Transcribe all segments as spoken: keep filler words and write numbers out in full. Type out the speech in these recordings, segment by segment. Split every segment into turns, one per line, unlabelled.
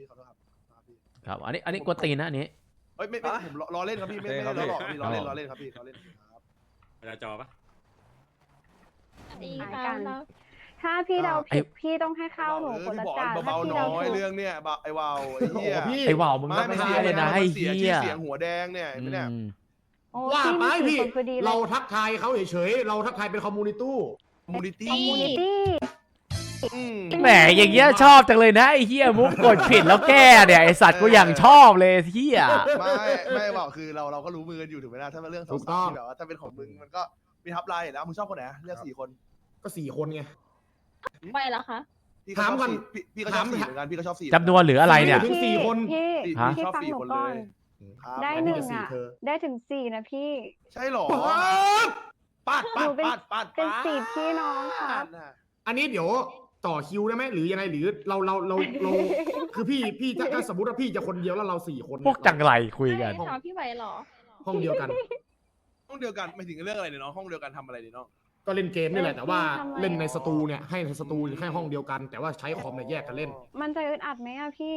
ขอโทษครับพี่
ครับอันนี้อันนี้กวนตีนนะอันนี้
เฮ้ยไม่ไม่ผมล้อเล่นครับพี่ไม่ไม่ล้อหลอกพี่ล้อเล่นล้อเล่นครับพี่ล้อเล่นครับ
เวลาจอปะ
ดี
หาย
ค่ะ
กัน
เรา
ถ้าพี่เดาผิดพี่ต้องให้ข้าวหนูคนละจานถ้า
เบา
พี่
ๆ
เดา
น้อย
ถูก
เรื่องเนี้ยไอ้วาวไอ้เหี้ย
ไอ้ว่าวมึง
ไม่
ไม่
ไม่
ได้
เสีย
เลยนะไอ้
เสีย
เหี้
ชื่อย เสียงหัวแดงเนี่ย
อื
ไม่เนี่ย
ม
โอ้
ว่าไป
พี่
พี่
มีคนคือดีเล
เรา
ย
ทักทายเขาเฉยๆเราทักทายเป็นคอมมูนิตี้
มูนิตี้
คอมมูนิตี้
แหมอย่างเงี้ยชอบจังเลยนะไอ้เหี้ยมุกกดผิดแล้วแก้เนี่ยไอ้สัตว์กูอย่างชอบเลยเหี้ย
ไม่ไม่บอกคือเราเราก็รู้มือกันอยู่ถูกไหมล่ะถ้าเป็นเรื่องสาวๆที่แบบว่าถ้าเป็นของมึงมันก็มีทับไลน์แล้วมึงชอบคนไหนเลือกสี่คน
ก็สี่คนไง
ไปแล้วคะ
พี่ก็ชอบสี่พี่ก็ชอบสี่เหมือนกันพี่ก็ชอบสี่
จำนวนหรืออะไรเนี่ย
ถึงสี่คน
พี่
พี่
ฮะ
พี่
ชอบ
ฟัง
สี่
หนู
คน
ก่
เล
อน
ยครับ
ได้
อัน
ห
นี้
นึ่ง
จะสี่
อ่ะ
เธอ
ได้ถึงสี่นะพี่
ใช่หรอ
ป๊าด
ปาด
หนู
ปาด
เป็น
ปาดปาด
เป็นสี่พี่น้องครับ
อันนี้เดี๋ยวต่อคิวได้ไหมหรือยังไงหรือเราเราเราเราคือพี่พี่ถ้าถ้าสมมติว่าพี่จะคนเดียวแล้วเราสี่คน
พวกจังไรคุยกัน
ไม่ถามพี่ไหวเหรอ
ห้องเดียวกัน
ห้องเดียวกันไม่ถึงเรื่องอะไรเนี่ยน้องห้องเดียวกันทำอะไรเนี่ยน้อง
ก็เล่นเกมนี่แหละแต่ว่า
ทำไม
เล่นในสตูเนี่ยให้ในสตูแค่ห้องเดียวกัน แต่ว่าใช้คอมเนี่ยแยกกันเล่น
มันจะอึดอัดไหมอะพี่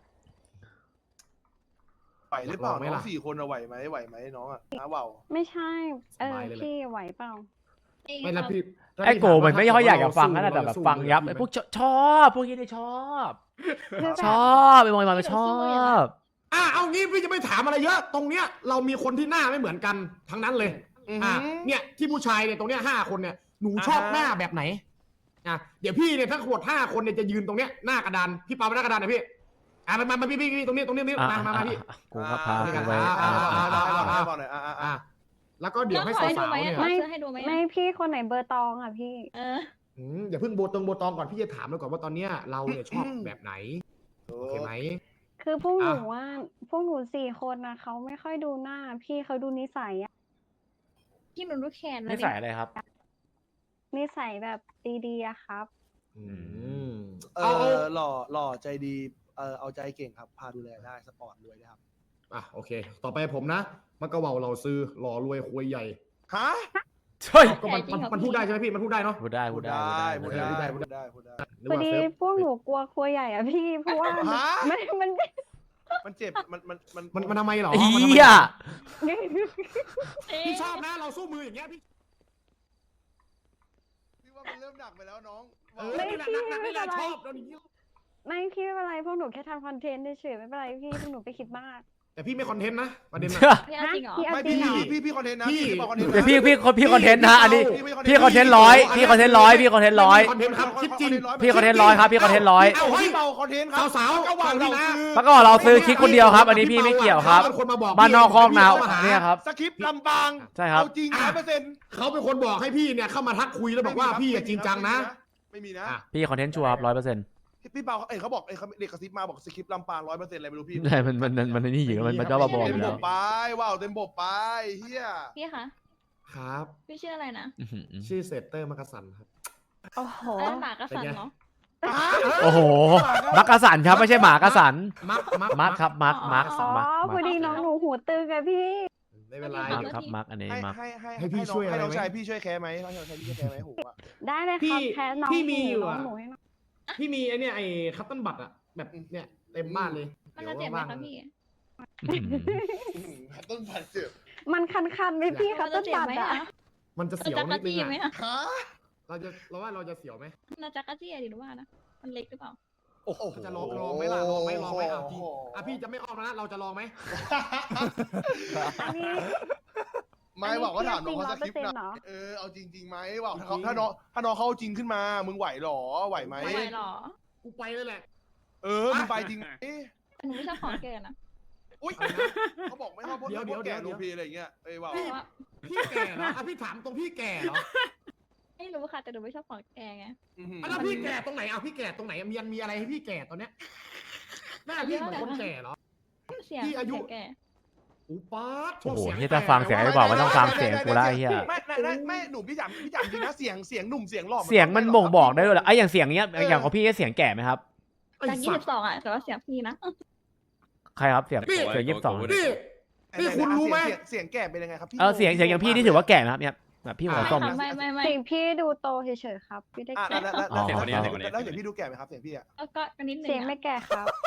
ไหวหรือเปล่า
ลองไหม
น้อ
ล่ะ
งสี่คนอะไหวไหมไหวไหมน้องอะน้าเบา
ไม่ใช่ เอ
ส
อบ
ายเลยแหละ
พี่ไหวเปล่า
ไม่ละพี่
ไอ้โกมันไม่ค่อยอยากจะฟังนะแต่แบบฟังยับ
ไอ้
ไอ้
พ
พ
ว
ว
ก
กชอบพวกนี้ได้ชอบ
คือแบบ
ชอบไอ้บอยมันชอบ
อ่ะเอางี้พี่จะไม่ถามอะไรเยอะ ตรงเนี้ยเรามีคนที่หน้าไม่เหมือนกันทั้งนั้นเลย อ่ะเนี่ยที่ผู้ชายเนี่ยตรงเนี้ยห้าคนเนี่ยหนูชอบหน้าแบบไหนอ่ะเดี๋ยวพี่เนี่ยถ้าขวดห้าคนเนี่ยจะยืนตรงเนี้ยหน้ากระดานพี่ปาไปหน้ากระดานหน่อยพี่อ่ะมามามาพี่พี่พี่ตรงนี้ตรงนี้ตรงนี้มามามาพี่
กูก็พากูไป
อ่า
อ่า
อ่า
ได้
อ่า
ได้บอกหน่อยอ่าอ่า
อ่ะแล้วก็เดี๋ยวให้
น้องขอ
สาว
ให้ดูไหม
ๆเนี่ย
น้องซื้อให้ดูไหม
ไม่พี่คนไหนเบอร์ตองอ่ะพี่
เออ
อืมอย่าเพิ่งโบตรงโบตองก่อนพี่จะถามเราก่อนว่าตอนเนี้ยเราเนี่ยชอบแบบไหนโอเคไหม
คือพวกหนู
อ่ะ
ว่าพวกหนูสี่คนนะเขาไม่ค่อยดูหน้า พี่เขาดูนิสัยอะ
พี่หนูรู้แขน
ไม่ใส่อะไรครับ
นิสัยแบบดีๆอะครับ
อืม
เอ
เอาเอา
อหล่อหล่อใจดีเออเอาใจเก่งครับพาดูแลได้สปอร์ตรวยนะครับ
อ่ะโอเค ต่อไปผมนะมันก็เว่าเราซื้อหล่อรวยควยใหญ่
ฮะ
เฮ้ย
ก็มันมันมันพูดได้ใช่ไหมพี่มันพูดได้เนาะ
พูดได้พูดได้
พู
พู
ด
ด
ได้
ได้
พูดได้พูดได้พูดได้
นึก
พอ
ว่า
ดี
เซิร์ฟ
พวกหนูกลัวครัวใหญ่อะพี่ เพราะว่า
ฮะ
มันมัน
มันเจ็บมันมันมัน
มันมันทำไมเหรอ
เฮี
มันทำไม
ย
พี่ชอบนะเราสู้มืออย่างเงี้ยพี่
พี่ว่ามันเริ่มหนักไปแล้วน้อง
เออนี่แหละนักนักนี่แหละชอบเราอย่างนี้
ไม่พี่ไม่เป็นไรพวกหนูแค่ทำคอนเทนต์เฉยๆไม่เป็นไรพี่พวกหนูไปคิดมาก
แต่พี่ไม่คอนเทนต์นะประเด็นนะ
พี่เอาจริงเหรอ
พี่เอา
ไม่
จริ
พี่
งเหรอ
พี่พี่คอนเทนต์นะ
พี่
พี่บอกคอนเทนต์
เดี๋ยวพี่พี่พี่คอนเทนต์นะอันนี้พี่คอนเทนต์ร้อยพี่คอนเทนต์ร้อยพี่คอนเทนต์ร้อย
คอนเทนต์ครับคลิปจริง
พี่คอนเทนต์ร้อยครับพี่คอนเทนต์ร้อย
เอ้าเฮ้ย
พี่เบาคอนเทนต์ครับ
สาวๆ
ก็วาง
ฟังพี่
เรา
นะ
คือ
แล้วก็เราซื้อคลิปคนเดียวครับ อันนี้พี่ไม่เกี่ยวครับ
ขาเป็นคนมาบอก
บ้านนอกคอกนาว
พี่เข้มห
เนี่ยครับ
สคริปต์ลำปาง
ใช่ครับ
เอาจริงร้อยเปอร์เซ็นต์
เขาเป็นคนบอกให้พี่เนี่ยเข้ามาทักคุยแล้วบอกว่าพี่อะจริงจังนะ
ไม่มีนะ
อ่ะ
พี่คอนเทนต์ชัวร์ครับร้อยเปอร์เซ็นต์
พี่เบาเอ้ยเขาบอกเอ้ยเขาเด็กกระซิบมาบอกสคริปต์ลำปางร้อยเปอร์เซ็นต์อะไรไม่รู้พี่
ใช่มันมันมันมันนี่อยู่มันมันจะบ้าบอ
เต็
อ
ม
ยู่
บ
แล้ว
กไปว้าวเต็มบกไปเฮีย
พี่คะ
ครับ
พี่ชื่ออะไรนะ
อื้อหือ
ชื่อเซตเตอร์มักกะสันครับ
โอ้โห
เอ้ยหมากระสันเนาะ
โอ้โหมักกะสันครับไม่ใช่หมากระสัน
มักมัก
มักครับมักมัก
อ๋อ
มัก
พอดีน้องหนูหูตึงอะพี่
ไม่เป็นไร
มัก
เดี๋ยว
ครับมักอันนี้
ให้
มัก
ให้ให้
ให้พี่
น้อง
ช่วยอะไร
ให้น้อง
ไหม
ชายพี่ช่วยแคร์ไหมน้องชายพี่ช่วยแคร์ไหมหูอะ
ได้เลย
พี่
ครับแค่น้อง
พี่มีอยู่
น้อง
อะ
หนูให้น้อง
พี่มีไอเนี่ยไอคัตเติ้ลบัตอะแบบเนี่ยเต็มบ้านเลย
มันจะเจ็บไหมคะพี่
อื้อหือ
ต้นพันเจ็บ
มันคันๆไหมพี่ครับ
มัน
ต้
จะ
น
เจ็บ
ตัด
ไหม
อะ
อะ
มันจะ
มัน
เสียว
จะก
นิ
ระ
ดนึ
จี้
ง
ไหม
อะ
อะ
ฮะ
เราจะเราว่าเราจะเสียวไหม
น่าจะกระจี้หรือว่านะ มันเล็กหรือเปล่า
โอ้โห
จะลองลองไหมล่ะลองไหมลองไหมเอาจริงอ่ะพี่จะไม่ออกแล้วนะเราจะลองไหม
อันนี้
ไม่บอกว่าถามน้องเขาสคริปต์
จริง
นะ
เหรอ
เออเอาจริงๆไหมบอกถ้าเขาถ้าน้องถ้าน้องเขาเอาจริงขึ้นมามึงไหวหรอไหวไหม
ไม่ไหวหรอ
กูไปเลยแหละ
เออมึงไปจริงไหม
แต่หนูไม่ชอบของแก่นะ
อุ้ยเขาบอกไม่ชอบพวก
เดี๋ยวเดี๋ยว
พวกแก่
เดี๋
ดู
ยว
พีอะไรอย่างเงี้ยเอ้ยว่า
เพราะว่า
พี่แก่เหรออ่ะพี่ถามตรงพี่แก่เหรอ
ไม่รู้ค่ะแต่หนูไม่ชอบของแก่ไง
อื้อหือ
อ่ะแล้วพี่แก่ตรงไหนเอาพี่แก่ตรงไหนมีมีอะไรให้พี่แก่ตอนเนี้ยหน้าพี่เหมือนคนแก่เหรอ
เสียง
พี่อายุ
เสียงแก่
อูป๊าด
โอ้โห
เสียง
ที่ถ้าฟังเสียงไอ้บอกว่าต้องฟังเสียงกูละไอ้เหี้ย
ไม่ไม่ไม่ไม่หนุ่มพี่จำพี่จำจริงนะเสียงเสียงหนุ่มเสียงหล่อ
เสียงมันบ่งบอกได้ด้วยเหรอไอ้อย่างเสียงเนี้ยอย่างของพี่เสียงแก่ไหมครับ
ไอ้
จากยี่
สั
สิ
ต
บ
ว์
สองอ่ะแต่ว่าเสียงพี่นะ
ใครครับเสียงเสียงยี่สิบสอง
นี่ นี่คุณรู้ไหม
เสียงเสียงแก่เป็นยังไงครับพี่
เออเสียงเสียงอย่างพี่ที่ถือว่าแก่ไหมครับเนี่ยแบบพี่หัวส้ม
ไม่ไม่ไม่ไม่
สิ่งพี่ดูโตเฉยๆครับพี่ได้
อ่ะ
แก่
แล้วแล้วแล้วเสียงพี่ดูแก่ไหมครับเสียงพี่อ่ะ
แล้วก็กันนิดนึง
เสียง
อะ
ไม่แก่ครับ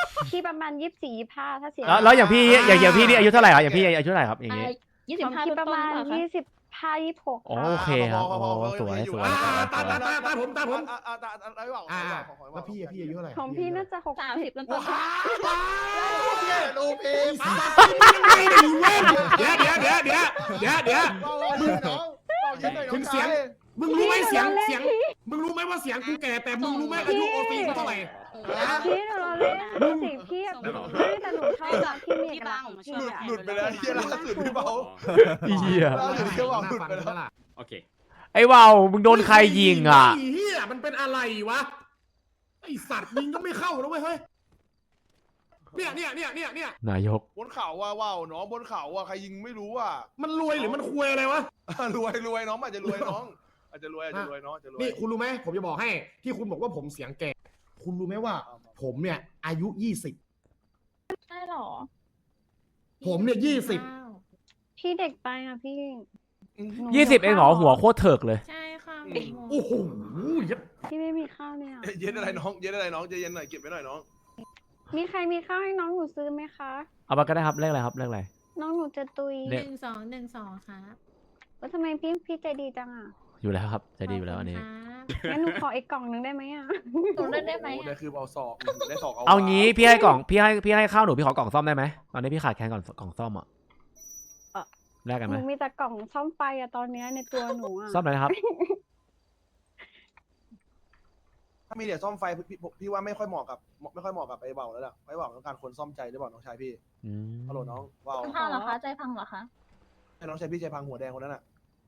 พี่ประมาณยี่สิบสี่ยี่สิบห้าถ้าเสีย
แล้วแล้วอย่างพี่อย่างอย่างพี่นี่อายุเท่าไหร่ครับอย่างพี่อายุเท่าไหร่ครับอย่างงี้
ยี่
ข
สิบ
อง
ห้า
พี่
ต้
ประมาณ
นๆหรือเปล่าคะ
ยี่สิบห้ายี่สิบหก
อ๋อโอเคครับโอ้สวยสวย
อ่า
สวย
ตาตาตาตาผมตาผม
อ่าอ่าตาตาไม่บอก
อ่า
ไม่บอกของ
แล้วพี่อะพี่อายุเท่าไหร่
ของพี่น่าจะหก
สามสิบต้น
ว้า
ๆ
วดูพี่
ไม่ดีเว้ยเดี๋ยวเดี๋ยวเดี๋ยวเดี๋ยวเดี๋ยวเดี๋ยว
เราเราเล่นน้องเราเล่นหน่อยน้องชาย
มึงรู้ไหมเสียงเสียงมึงรู้ไหมว่าเสียงกูแก่แต่มึงรู้ไหมอายุโอซีกูเท่าไหร่
พี่หนูเราเล่นพี่สิพี่อะพี่แต่หนูชอบแบบพี่มีเอกลักษณ์ของพี่
หลุด
อะ
หลุดไปแล้วเฮียล่าสุดพี่เบา
เหี้ย
ล่าสุดพี่เบาหลุดไปแล้ว
โอเค
ไอ้ว่าวมึงโดนใครยิงอ่ะ
ไเฮียมันเป็นอะไรวะไอสัตว์ยิงก็ไม่เข้านะเว้ยเฮ้ยเนี่ยเนี่ยเนี่ยเนี่ยเนี่ย
นายก
บนเขาว่าว้าวน้องบนเขาว่าใครยิงไม่รู้อ่ะ
มันรวยหรือมันควยอะไรวะ
รวยรวยน้องอาจจะรวยน้องอาจจะรวยอาจจะรวยน้องอาจจะรวย
นี่คุณรู้ไหมผมจะบอกให้ที่คุณบอกว่าผมเสียงแก่ คุณรู้ไหมว่า ผมเนี่ยอายุยี่สิบ
ใช่หรอ
ผมเนี่ยยี่สิบ
พี่เด็กไปอะพี่หนู
ยี่สิบเองเหรอหัวโคตรเถิกเลย
ใช่ค่ะ
โอ้โหยัด
พี่ไม่มีข้าวเนี่ย
เย็นอะไรน้องเย็นอะไรน้องใจเย็นหน่อยเก็บไว้หน่อยน้อง
มีใครมีข้าวให้น้องหนูซื้อไหมคะ
เอามาก็ได้ครับเลขอะไรครับเลขอะไร
น้องหนูจะตุย
เนี่
ห
ย
นึ่งสองหนึ่งสองครับ
ว่าทำไมพี่พี่ใจดีจังอ่ะ
อยู่แล้วครับใจดีอยู่แล้วอันนี้
ขบคุณครับ
งั้นหนูขออีกกล่องหนึงได้ไหมอ่ะ
หนูเล่นได้ไหม
โอ้ได้คือเอาศอกได้ศอกเอา
เอางี้พี่ให้กล่องพี่ให้พี่ให้ข้าวหนูพี่ขอกล่องซ่อมได้ไหมตอนนี้พี่ขาดแคลนก่อนกล่องซ่อมอ่ะแลกกัน
ห
ไหม
นูมีแต่กล่องซ่อมไฟอะตอนเนี้ยในตัวหนูอะ
ซ่อมเลยนะครับ
ถ้ามีเหรียญซ่อมไฟพี่พี่ว่าไม่ค่อยเหมาะกับไม่ค่อยเหมาะกับไอ้เบาแล้วล่ะไอ้เบาต้องการคนซ่อมใจหรือเปล่าน้องชายพี่
อืม
ฮัลโหลน้องเบา
พังเหรอคะใจพังเหรอคะ
ให้น้องชายพี่ใจพังหัวแดงคนนั้นอ่ะ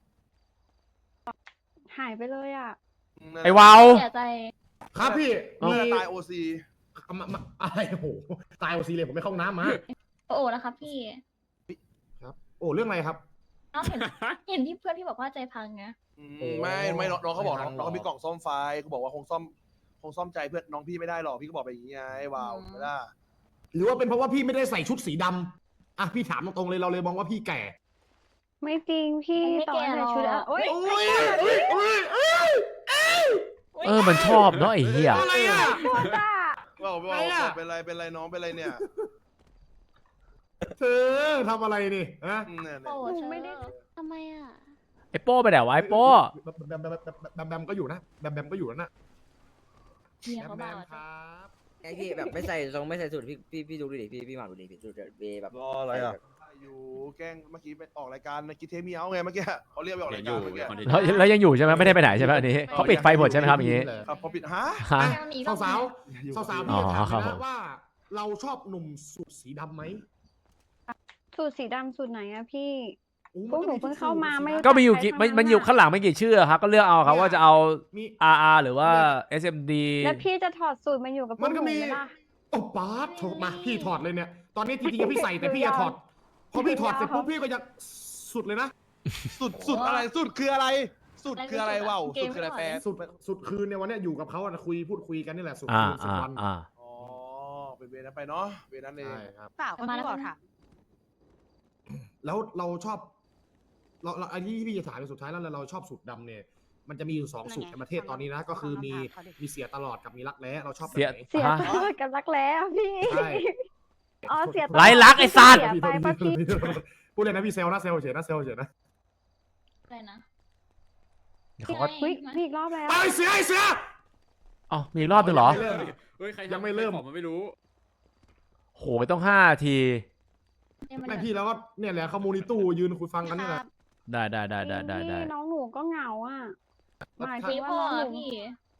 หายไปเลยอ่ะ
ไอ้วาว
เสียใจ
ครับพี่
มี
มี
ตายโอซี
มามาอะไรโอ้โหตายโอซีเลยผมไม่เข้าห้องน้ำมา
โอ้โหนะคะพี่
โอ้เรื่องอะไรครับ
น้องเห็นเห็นที่เพื่อนพี่บอกว่าใจพังไง
ไม่ไม่น้องเขาบอกน้องน้องเขามีกล่องซ่อมไฟเขาบอกว่าคงซ่อมคงซ่อมใจเพื่อนน้องพี่ไม่ได้หรอกพี่ก็บอกไปอย่างงี้ไงเบาไม่ได้
หรือว่าเป็นเพราะว่าพี่ไม่ได้ใส่ชุดสีดำอ่ะพี่ถามตรงๆเลยเราเลยมองว่าพี่แก่
ไม่จริงพี่ต่อให้ใส่ชุดอะโอ๊ย
โอ้ยโอ้ยโอ้ยโอ้ย
เออมันชอบเนาะไอ้เหี้ย
อะไรอ่ะ
โทษจ้า
เบาเบา
อะไรอะ
เป็นไรเป็นไรน้องเป็นไรเนี่ย
เธอทำอะไรนี่ฮะ
เนี่ย
โอ้
หนู
เธอ
ไม่ได้
ทำไมอ่ะ
ไอ้โป้ไปไหนวะไอ้โป้
แบมแบมแบมแบมแบมก็อยู่นะแบมแบมก็อยู่นะ
เมีย
แบ
เขา
มแบ
บ้าม
ครับ
ไอพี่แบบไม่ใส่ทรงไม่ใส่สูตรพี่พี่พี่ดูดิพี่พี่หมาดูดิพี่ดูดิเวแบบ
รออะไรอ่ะ
อยู่แกล้งเมื่อกี้ไปออกรายการในกิเทมีเอาไงเมื่อกี้เขาเรียกไปออก
เดี๋ย
รา
วย อ
การ
ยู่
เมื่อกี้
คอนเทนต์
แล้วแล้วยังอยู่ใช่ไหมไม่ได้ไปไหนใช่ไหมอันนี้เขาปิดไฟหมดใช่ไหมครับอย่างงี้
ครับพอปิดฮะ
ฮะ
สาวสาวสาวสาวๆ
อ๋
พี่
อ
จะถาม
ครับผ
นะ
ม
ว่า เราชอบหนุ่มสูทสีดำไหม
สูตรสีดำสูตรไหนอะพี่
โอ้
พวกหนูเพิ่งเข้ามาไม่
ก็มีอยู่กี่มันมันอยู่ข้างหลังไม่กี่ชื่อครับก็เลือกเอาครับว่าจะเอา
มี
อาร์ อาร์ หรือว่า เอส เอ็ม ดี
แล้วพี่จะถอดสูตรมาอยู่กับพว
มั
ก
น
ห
ก็
นู
มี
ไหมล่ะ
โอ้ป๊าดโถมาพี่ถอดเลยเนี่ย ตอนนี้จริงๆพี่ใส่แต่พี่จะถอดพอพี่ถอดเสร็จปุ๊บพี่ก็จะสุดเลยนะ
สุดสุดอะไรสุดคืออะไร สุดคืออะไรวะสุดคืออะไรแปล
สุดสุดคืนเนี่ยวันเนี้ยอยู่กับเขาอะคุยพูดคุยกันนี่แหละสุด
อ่า
คืนสุด
อ่า
วัน
อ่า
อ๋อเป็นเวรนั้นไปเนาะเวรนั้นเอง
ใช่ครับ
เปล่าก็พี่บอกถาม
แล้วเราชอบ เราเราอันนี้ที่พี่จะถามเป็นสุดท้ายแล้วเราชอบสูตรดำเนี่ย มันจะมีอยู่สองสูตรในประเทศตอนนี้นะ ก็คือมีมีเสียตลอดกับมีรักแร้เราชอบแบบ
เสีย
ไหน
เสีย
ฮะ
ตลอดกับรักแร้อะพี่
ใช่
อ๋อเสียตลอด
ไร้รักไอ้สัตว์
เสียไปปะพี่
พูดเลยนะพี่เซลนะเซลเฉยนะเซลเฉยนะ
อะไรนะ
เขาก็
เฮ้ยมีอีกรอบแล้ว
ไปเสือไอเสือ
อ๋อมีอีกรอบหนึงเหรอ
ไม่เริ่ม
เฮ้ยใคร
ยังไม่เริ่ม
ใครขอมันไม่รู้
โหต้องห้าที
ไม่พี่แล้วก็เนี่ยแหละเขามูนิตู้ยืนคุยฟังกันนี่แหละ
ได้ได้ได้ได้ได้ได้
พี่น้องหนูก็เหงาอ่ะหมายถึง
พี่
ว่า
พ่อ
น้องหนู
พี่